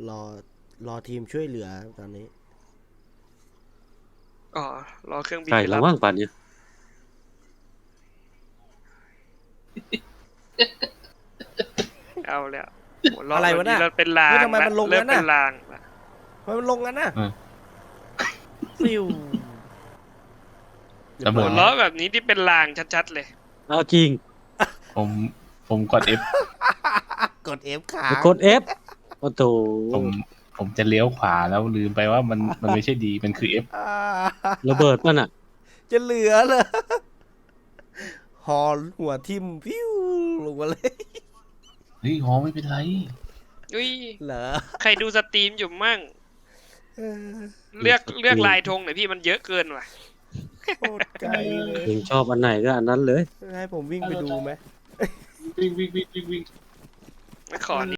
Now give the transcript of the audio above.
รอรอทีมช่วยเหลือตอนนี้อ๋อรอเครื่องบินใช่ไปแล้รัวบว่างป่านเนี่ยเอาแล้วหัวเราะอะไรแบบวะนี้น่ะเราเป็นลางเฮ้ยทำไมละมันลงเริ่มงั้นน่ะเป็นลางละทำไมมันลงกันน่ะเออฟิวระเบิหัดวเราะแบบนี้ที่เป็นลางชัดๆเลยเอาจริงผมกด F กด F ค้าไปงกด F โอ้โถผมจะเลี้ยวขวาแล้วลืมไปว่ามันไม่ใช่ดีมันคือ F ระเบิดมันอ่ะจะเหลือเลยฮอหัวทิ่มฟิวลงมาเลยเฮ้ยหอไม่เป็นไรอุ้ยเหรอใครดูสตรีมอยู่มั่งเออเลือกลายธงหน่อยพี่มันเยอะเกินว่ะโคตรไกลเลยเองชอบอันไหนก็อันนั้นเลยให้ผมวิ่งไปดูไหมวิ่งขอ